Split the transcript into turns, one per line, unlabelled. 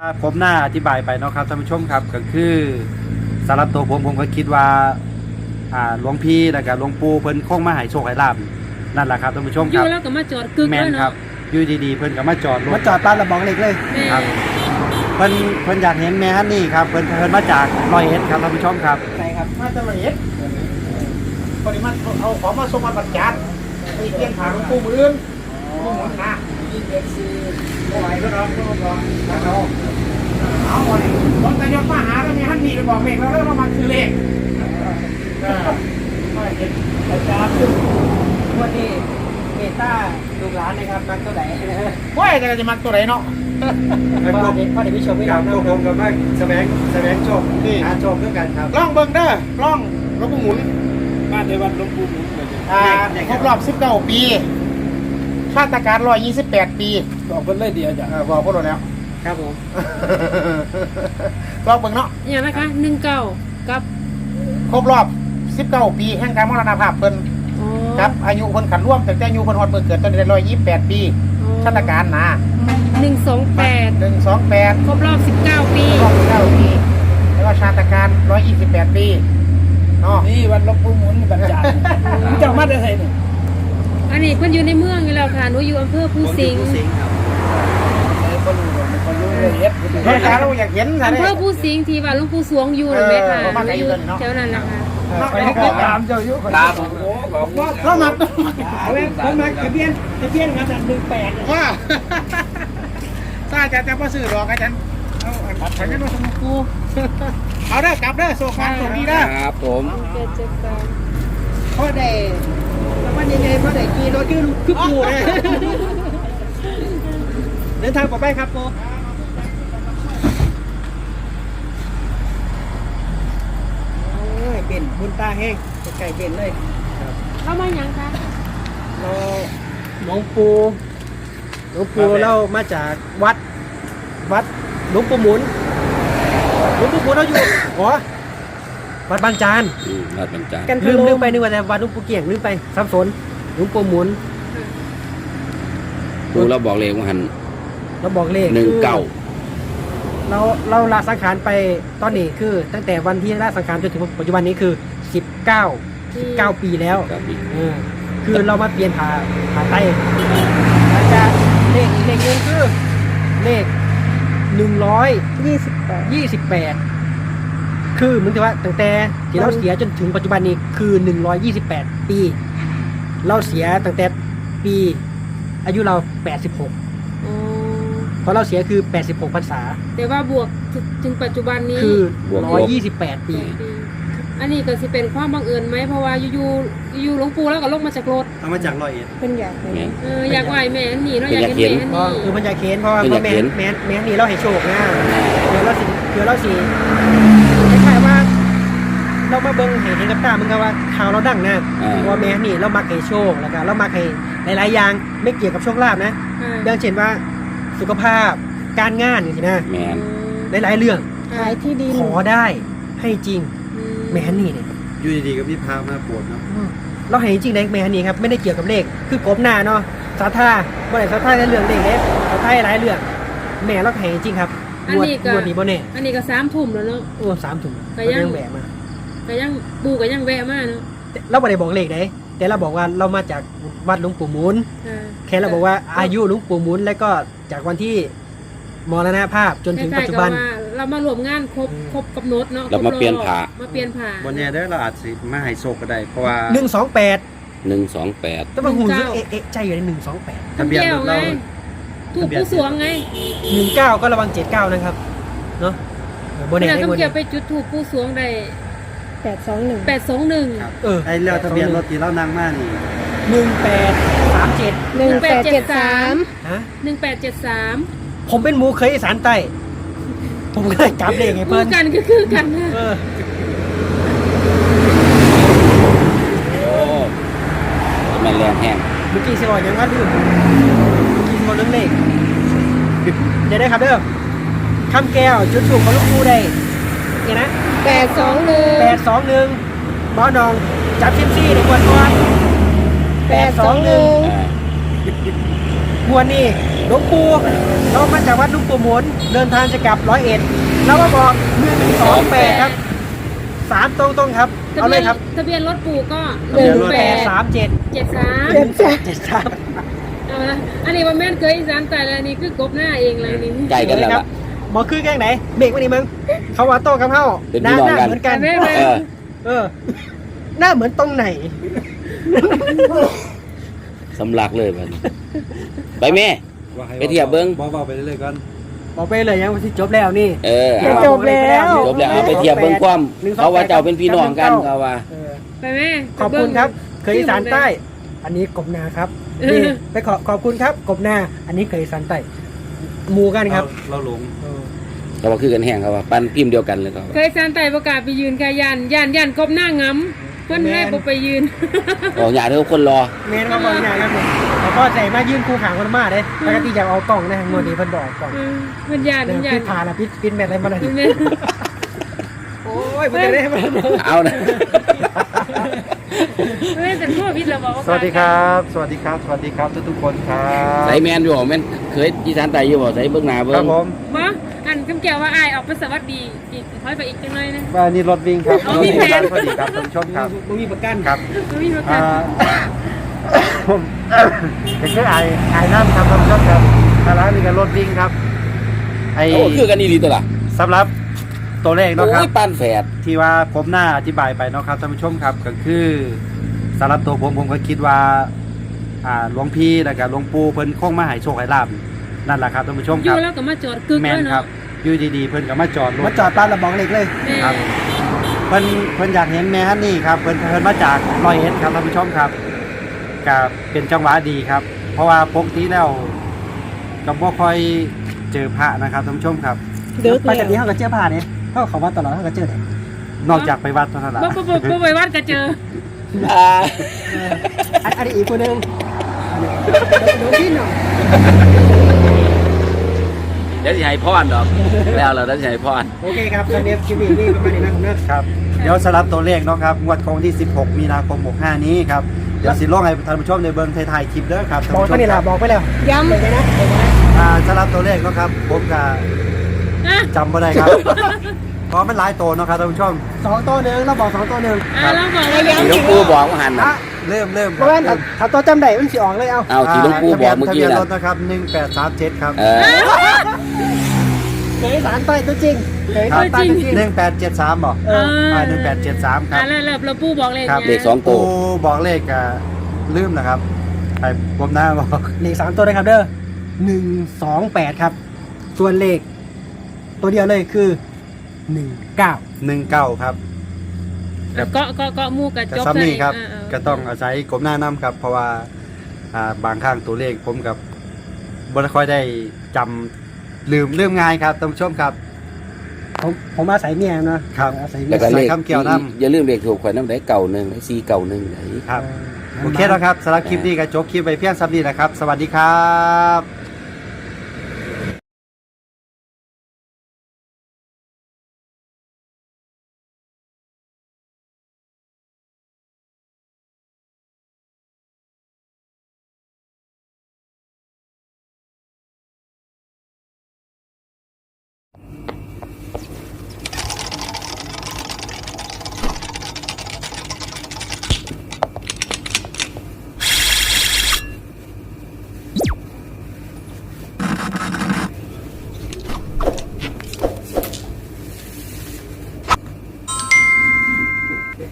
ผมน่าอธิบายไปเนาะครับท่านผู้ชมครับก็คือสำหรับตัวผมก็คิดว่าหลวงพี่แล้วก็หลวงปู่เพิ่นคงมาให้โชคให้ลาบนั่นแหละครับท่านผู้ชม
อ
ครั
ยู่
บ
แล้วก็มาจอดกึก
แม
เล
น
ย
ครับ
เนาะ
อยู่ดีๆเพิ่นก็มาจอดรถ
มาจอดตามระบอกเหล็กเลย
แม่
ครับเพิ่นอยากเห็นแม่ฮันนี่ครับเพิ่นมาจากร้อยเอ็ดครับท่านผู้ชมครับ
ใช่ครับมาจากละเอียด
ปริมาณเอาของมาส่งมาบรรจัดไปเกี่ยงขาหลวงปู่มืออื่นผู้หมุนนะบ่ไหวก็ร้องแล้วเอาวันนี้ผมจะยกมาหาแล้วมีท่านนี่ไปบอกเมฆแล้วเรามาคือเลข
อาจารย์วันนี้เมตาลูกหลานนะครับมักตัวไหน
ว่าจะจะมาตัวไหนเนาะ
พ่อเด็กพี่ชมไม่
ครั
รั
บบ ตัวผมกับแม่แสวงโชคหาโชคด้วยกันครับ
ล่องเบิ่งเด้อล่องหลวงปู่หมุน
บ้านในวัดหลวงปู่หมุนเลย
ครบรอบ19 ปีชาติการ128 ปี
บอกเพิ่นเลยเดียวจ้ะ
บอกพวกเราแล้ว
ครับผม
ลองเบิ่งเนาะ
อย่างนะคะ19กับ
ครบรอบ19 ปีแห่งการมรณภาพเพิ่น
อ๋อ
ครับอายุเพิ่นขันร่วมตั้งแต่อายุเพิ่นฮอดเมื่อเกิดตอนนี้128 ปีชาติการนะ
128
128
ครบรอบ19 ปี
รอบ9 ปีแล้วก็ชาติการ128 ปีเนาะ
นี่วันลบปูหมุนบรรจารเจ้ามาได้ไงเนี่ย
อันนี้เพิ่นอยู่ในเมืองอยู่แล้วค่ะหนูอยู่อำเภอภูสิงห์
ครับ
คนรู้ละเอียด
ชาติการเราอยากเห็นนะ
อำเภอภูสิงห์ที่ว่าหลวงปู่สวงอยู่เลยไหมค่ะอยู่แถวนั้นแหละค่ะ
ไปให้ตามเจ้าอยู่ตามผม
เรามา
เอาไว้ผมมาทะเบียนมาจาก18
ว่าถ้าอาจารย์จะมาซื้อดอกอาจารย์เอาฉันจะมาสมุกูเอาได้กลับได้โซฟาส่งดีได้
ครับผม
พ่อได้แล้ววันยังไงพ่อได้กี่รถคือปูเลยเดินทางปลอดภัยครับโปโอ้ยเป็นบุญตาแห้งไก่เป็นเลย
เข้ามาหยังคะ
เราหลวงปู่เรามาจากวัดหลวงปู่หมุนเราอยู่อ๋อวัดบางจาน
รัดบรรจาร
ลืมไปนึกว่าแต่วัดหลวงปู่เกี่ยงลืมไปสับสนหลวงปู่หมุน
ปูเราบอกเลขว่าหัน
เราบอกเลข
19
เราลาสังขารไปตอนนี้คือ ตั้งแต่วันที่ลาสังขารจนถึงปัจจุบันนี้คือ19ปีแล้ว
ครับอีก
คือเรามาเปลี่ยนผ่าไต้แล้วจะเลขอีกเลขหนึงคือเลข128คือเหมือนกับว่าตั้งแต่ที่เราเสียจนถึงปัจจุบันนี้คือ128 ปี เราเสียตั้งแต่ปีอายุเรา86
อ๋อ
เพราะเราเสียคือ86พรรษา
แต่ว่าบวกถึงปัจจุบันนี้
คือ128 ปี
อันนี้ก็สิเป็นความบังเอิญไหมเพราะว่าอยู่หลวงปู่แล้วก็ลงมาจากรถ
เอามาจากร้อยเอ็ด
เป็นอยาก
แม่น
อยากไหวแม่นนี่เนาะอยากเห็นแม่น
เพราะ
นี่
คือมันอยากเห็นเพราะว่า
คืออยาก
แม่
เห็น
แม่นี่เราให้โชคนะเดี๋ยวเราสิคล้ายๆว่าเรามาเบิ่งเห็นกับตามันก็ว่าข่าวเราดังนะเพราะว่าแม่นี่เรามักให้โชคแล้วก็เรามักให้หลายๆอย่างไม่เกี่ยวกับโชคลาภนะอย่างเช่นว่าสุขภาพการงานอย่างนี้นะ
แม่น
หลายๆเรื่อง
ขายที่ดิน
ขอได้ให้จริงแม่นี่เนี่ย
อยู่ดีๆก็มีพามาปวดเนาะ
เราเห็นจริงในแม่นี่ครับไม่ได้เกี่ยวกับเลขคือกบหน้าเนาะศรัทธาบ่ได้ศรัทธาในเรื่องเลขเด้ศรัทธาหลายเรื่องแม่เราเห็นจริงครับ
อันนี้ก็
งวดนี้บ่แน่
อันนี้ก็3 ทุ่มแล้วเนาะ
โอ้3 ถุง
ก็ยัง
แหวะมา
ก็ยังปู่ก็ยังแวะมาเนาะ
เราบ่ได้บอกเลขเด้แต่เราบอกว่าเรามาจากวัดหลวงปู่หมุน
ค่ะ
แค่เราบอกว่าอายุหลวงปู่หมุนแล้วก็จากวันที่มรณภาพจนถึงปัจจุบัน
คล้ายๆกับว่าเรามารวมงานครบกำหนดเนาะ
เรามาเปลี่ยนผ้า
มาเปลี่ยนผ่า
บนเนี้ยเด้อเราอาจสิมาให้โชคก็ได้เพราะว่า
128
128
แต่ว่าหูรู้เอ๊ะใจอยู่ใน128
ทะเบียนรถเรา
ถูกผู้สวงไง
19ก็ระวัง79นะครับเนาะบ่แน่
เรา
ใน
ต้อง
วัน
เกี่
นี้
ยวไปจุดถูกผู้สวงได้821
ครับ
เออ
ไอ้แล้วทะเบียนรถที่เรานั่งมานี่
1837
1873
ฮะ
1873
ผมเป็นหมูเคยอีสานใต้ ผมก็เลยจับเลขให้
คู่
เพิ่น
กันก็คือกันนะ
เออ
โอ้แม่นแรงแห้ง
เมื่อกี้สิบอกยังว่าลืมเมื่อกี้สิบอกเรื่องเลขเดี๋ยวได้ครับเด้อคำแก้วจุดสูงของลูกครูได้เห็นนะ821บ้านองจับซิมซี่ในกวนก่อน821
อ่า
มวนนี่หลวงปู่เรามาจากวัดหลวงปู่หมุนเดินทางจะกลับ101แล้วก็บอก128ครับ3ตรงครับเอาเลยครับ
ทะเบียนรถปู่ก็
1837
73เอาละอันนี้ว่าแม่นเคยอีสานแต่ละนี่คือกบหน้าเองเลยนี่
ไก่กันแล้วล่ะ
หมอคือแกงไหนเบรกมาดิมึงเขาว่าโต้กับเฮา
เป็น
ห
พี่
น้า
น้องกัน
เหมือนกัน
แม่
เออ
หน้าเหมือนตรงไหน
สำลักเลยมันไปแม่ ไปเทียบเบิ่ง
บอกไปเรื่อยๆก่อน
บอกไปเลยยังว่าที่จบแล้วนี่
เออ
ดี๋ยว
เอา
จบแล้ว
จบแล้วเอาไปเทียบเบิ่งความเขาว่าเจ้าเป็นพี่น้องกันเขาว่า
เออ
ไปแม่
ขอบคุณครับ เคยอีสานใต้ อันนี้กบนาครับนี่ไปขอบคุณครับกบนา อันนี้เคยอีสานใต้หมู่กันครับ
เราหลง
เขาว่าคือกันแห้งเขาว่าปั้นพิมพ์เดียวกันเลยเขา
เคยอีสานใต้ประกาศไปยืนกายันกบหน้างำเพิ่นให้บ่ไปยืน
บอกอย่าเถอะคนรอ
เมนมาบอกอย่างครับผมแล้วก็ใจมายื่นคู่ขางคนมาเลยปกติอยากเอากล่องนะงวดนี้เพิ่นบอกกล่อง
เพิ่นยัน
เดี๋ยว
ยั
พิ
น
ดผ่านอะพิดแมทอะไรมาเลย
แม่
โอ้ยมันจะได้มา
เอานะ
แม่แต่ทั่วพิษเราบอกว่า
สวัสดีครับ สวัสดีครับ สวัสดีครับทุกๆคนครับ
ใส่แมนอยู่บ่แมนเคยอีสานใต้อยู่บ่ใส่เบิ่งหน้า
ค
เบิ่
รั
ง
บผม
บ่อันคำแก้วว่าอายออกไปสวัสดีอีกค่อยไปอีกจังเลยนะ
ว่านี่รถวิ่งครับ
อ๋อ
รถ
มี
วิ่ง
แผน
พอดีครับท่านผู้ชมครับ
มึงมีประกัน
ครับ
บ่มีประกั
อ่าน ผมก็คือไอ้น้ำครับท่านผู้ชมครับทางร้านมีการรถวิ่งครับไอ้
โอ้คือกันอีหลีตัวล่ะ
สำหรับตัวเลขเนาะครับ
โอ้ยปั้นแฝด
ที่ว่าผมหน้าอธิบายไปเนาะครับท่านผู้ชมครับก็คือสำหรับตัวผมก็คิดว่าหลวงพี่แล้วก็หลวงปู่เพิ่นคงมาให้โชคให้ลาบนั่นแหละครับท่านผู้ชม
อ
ค
ยู่
รับ
แล้วก็มาจอดกึก
แม
เล
น
ย
ครั
เนาะ
บอยู่ดีๆเพิ่นก็มาจอดร
มา
ถ
จอดตามระบอกเหล็กเลย
แม่
ครับเพิ่นอยากเห็นแม่ฮันนี่ครับเพิ่นมาจาก101ครับท่านผู้ชมครับก็เป็นจังหวะดีครับ เพราะว่าปกติแล้วก็บ่ค่อยเจอพระนะครับท่านผู้ชมครับ
ไปจากนี้เขาก็เจอผ่านเนี่ยเขาว่าตลอดเขาก็เจอเนี่ย
นอกจากไปวัดเท่านั้นละ
บ่ไปวัดก็เจอ
อันนี้อีกคนนึงโดนที่หน่อย
เดี๋ยวสิให้พรดอกแล้วเราได้สิให้พร
โอเคครับตอนนี้คลิปนี้ประมาณนี้นะครับ
เดี๋ยวสลับตัวเลขเนาะครับงวดของที่16มีนาคม65นี้ครับเดี๋ยวสิลงให้ท่านผู้ชมในเบิ่งถ่ายๆคลิปเด้อครับท่าน
บอก
ผู้ช
ไป
ม
นี่
ค
ละ
รับ
บอกไปแล้วย้ำเลยนะ
สลับตัวเลขเนาะครับผมก็
อ่ะ
จำบ่ได้ครับ เพราะมันหลายตัวเนาะครับท่านผู้ชม
2 ตัวหนึ่งเราบอก2 ตัวหนึ่ง
เราบอกว่าย้ำ
ที่หลวงปู่บอกว่าหันน่ะ
เริ่ม
เพราะว่าถ้าตัวจำได้มันสิออกเลยเอา
เอาที่หลวงปู่บอกเมื่อกี้
ทะเบียน
น่ะ
รถนะครับ1837ครับ
เออ
เคยสารใต้ตัวจริงเคย
ครั
ใต้ตัวจริง
1873บ่
เออ
1873ครับ
แล้วเราปู่บอกเลข
ครับ
เลขสองตัว
ปูบอกเลขลืมนะครับไอ้ผมหน้าบอก
เลข3ตัวเลยครับเด้อ128ครับส่วนเลขตัวเดียวเลยคือ19
19ครับ
เกาะหมู่กับ
กับ
จบ
ซ้ำนี่ครับ
เออ
ก็ต้องอาศัยกลมหน้าน้ำครับ เพราะว่าบางครั้งตัวเลขผมกับบ่ค่อยได้จำลืมง่ายครับท่านผู้ชมครับ
ผมอาศัยเมียนะครับ อาศัยเมี
แล้
ยว
ก็เลข
ใส่คำเกี่ยวน้ำ
อย่าลืมเลขถูกข่อยน้ำได้เก่าหนึ่ง4เก่าหนึ่งไหน
ครับ โอเคแล้วครับสำหรับคลิปนี้ก็จบคลิปไปเพียงซ้ำนี้นะครับ สวัสดีครับ